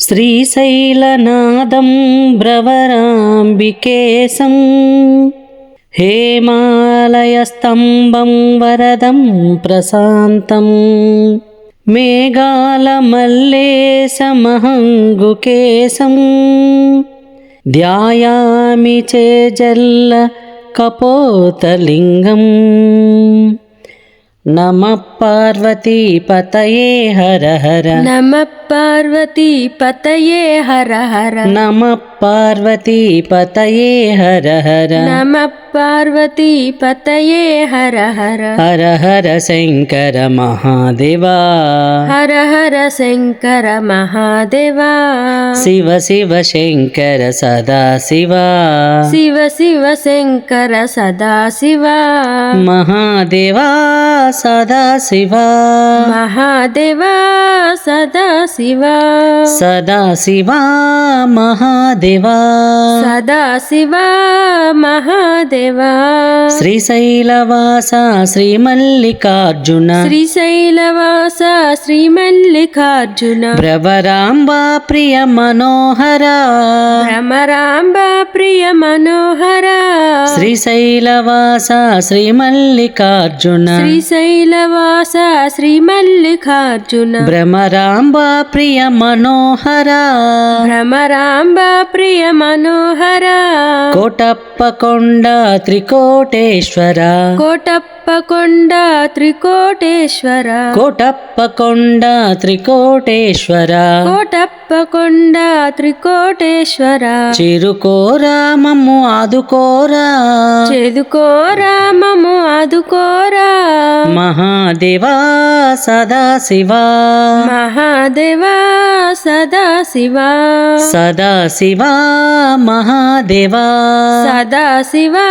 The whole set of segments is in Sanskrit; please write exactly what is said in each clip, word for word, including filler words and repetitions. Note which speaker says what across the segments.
Speaker 1: శ్రీశైలనాదం భ్రవరాంబికేశం हेमालयस्तम्भं वरदं प्रशान्तं मेघालमल्लेशमहङ्गुकेशं ध्यायामि चेजल्लकपोतलिङ्गम् नमः पार्वतीपतये हर हर
Speaker 2: नमः पार्वतीपतये हर हर
Speaker 1: नमः पार्वतीपतये हर हर
Speaker 2: नमः पार्वतीपतये हर हर
Speaker 1: हर हर शंकर महादेवा
Speaker 2: हर हर शंकर महादेवा
Speaker 1: शिव शिव शंकर सदा शिवा
Speaker 2: शिव शिव शंकर सदा शिवा
Speaker 1: महादेवा सदा शिवा
Speaker 2: महादेवा सदा शिवा
Speaker 1: सदा शिवा महादेवा
Speaker 2: सदा शिवा महादेवा
Speaker 1: श्रीशैलवास श्रीमल्लिकार्जुन
Speaker 2: श्रीशैलवास श्रीमल्लिकार्जुन
Speaker 1: भ्रवरांबा प्रिय मनोहरा
Speaker 2: भ्रमरांबा प्रिय मनोहरा
Speaker 1: श्रीशैलवास श्रीमल्लिकार्जुन
Speaker 2: श्रीशैलवास श्रीमल्लिकार्जुन
Speaker 1: भ्रमरांबा प्रिय मनोहरा
Speaker 2: भ्रमरांबा प्रिय मनोहरा
Speaker 1: कोटप्पकोंड त्रिकोटेश्वर
Speaker 2: कोटप्पकोंड त्रिकोटेश्वर
Speaker 1: कोटप्पकोंड त्रिकोटेश्वर
Speaker 2: कोटप्पकोंड त्रिकोटेश्वर
Speaker 1: चिरुकोरा मम्मु आदुकोरा
Speaker 2: చేదుకోరా మమ్ము ఆదుకోరా
Speaker 1: महादेवा सदा शिवा
Speaker 2: మహాదేవా సదా శివా
Speaker 1: सदा शिवा महादेवा
Speaker 2: సదా శివా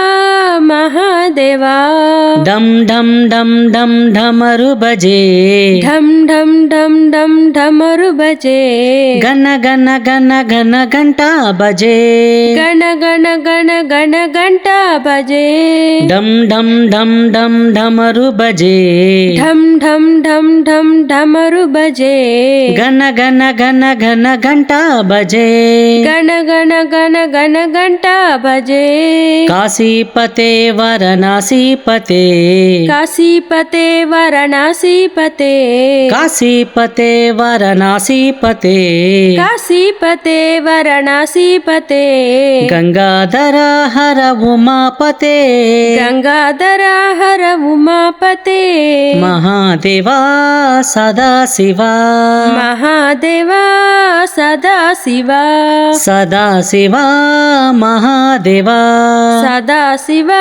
Speaker 2: మహాదేవా
Speaker 1: डम डम डम डम डमरु बजे
Speaker 2: ఢం ఢం ఢం ఢం ఢమరు బజే
Speaker 1: गन गन गन गन घंटा बजे
Speaker 2: గణ గణ గణ గణ గంట బజే
Speaker 1: डम डम डम डम डमरु बजे
Speaker 2: ఢం ఢం ఢం ఢం ఢమరు బజే
Speaker 1: गन गन गन गन घंटा बजे
Speaker 2: గణ గణ గణ గణ గంట బజే
Speaker 1: काशीपते वाराणसीपते
Speaker 2: काशीपते वाराणसीपते
Speaker 1: काशीपते वाराणसीपते
Speaker 2: काशीपते वाराणसीपते
Speaker 1: गंगाधर हर उमापते
Speaker 2: गंगाधर हर उमापते
Speaker 1: महादेवा सदा शिवा
Speaker 2: महादेवा सदा शिवा
Speaker 1: सदा शिवा महादेवा
Speaker 2: सदा शिवा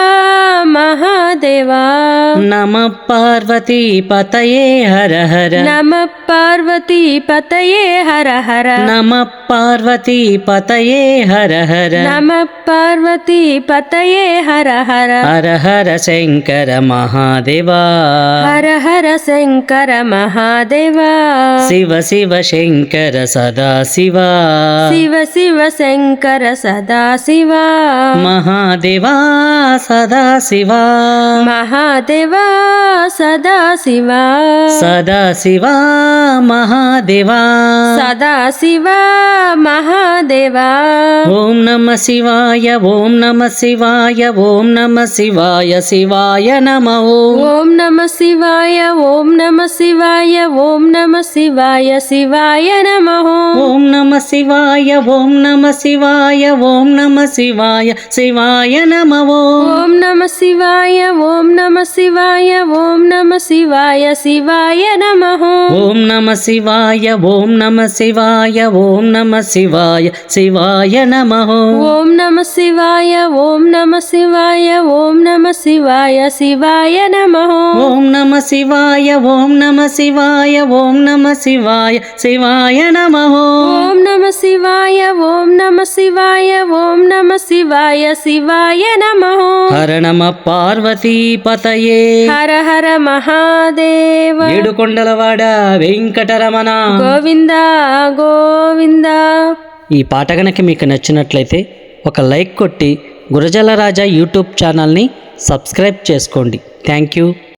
Speaker 2: महादेवा
Speaker 1: नमः पार्वती पतये हर हर
Speaker 2: नमः पार्वती पतये हर हर
Speaker 1: नमः पार्वती पतये हर हर
Speaker 2: नमः पार्वती पतये हर हर
Speaker 1: हर हर शंकर महादेवा
Speaker 2: हर हर शंकर महादेवा
Speaker 1: शिव शिव शंकर सदा शिवा
Speaker 2: शिव शिव शंकर सदा शिवा
Speaker 1: महादेवा सदा शिवा
Speaker 2: महादेवा सदा शिवा
Speaker 1: सदा शिवा महादेवा
Speaker 2: सदा शिवा महादेवा
Speaker 1: ओम नमः शिवाय ओम नमः शिवाय ओम नमः शिवाय शिवाय नमः
Speaker 2: ओम नमः शिवाय ओम नमः शिवाय ओम नमः शिवाय शिवाय नमः
Speaker 1: ओम नमः शिवाय ओम नमः शिवाय ओम नमः शिवाय शिवाय नमः
Speaker 2: ओम नमः शिवाय ओम नमः शिवाय ओम नमः शिवाय शिवाय नमः
Speaker 1: ओम नमः शिवाय ओम नमः शिवाय ओम नमः शिवाय शिवाय नमः
Speaker 2: ओम नमः शिवाय ओम नमः शिवाय ओम नमः शिवाय शिवाय नमः
Speaker 1: ओम नमः शिवाय ओम नमः शिवाय ओम नमः शिवाय शिवाय नमः
Speaker 2: ओम नमः शिवाय ओम नमः शिवाय ओम नमः शिवाय शिवाय नमः
Speaker 1: हर नमः पार्वती पतये
Speaker 2: हर हर महादेव
Speaker 1: ఏడుకొండలవాడ వెంకటరమణ
Speaker 2: గోవింద గోవింద
Speaker 1: ఈ పాట గనక మీకు నచ్చినట్లయితే ఒక లైక్ కొట్టి గురజాల రాజా యూట్యూబ్ ఛానల్ని సబ్స్క్రైబ్ చేసుకోండి. Thank you.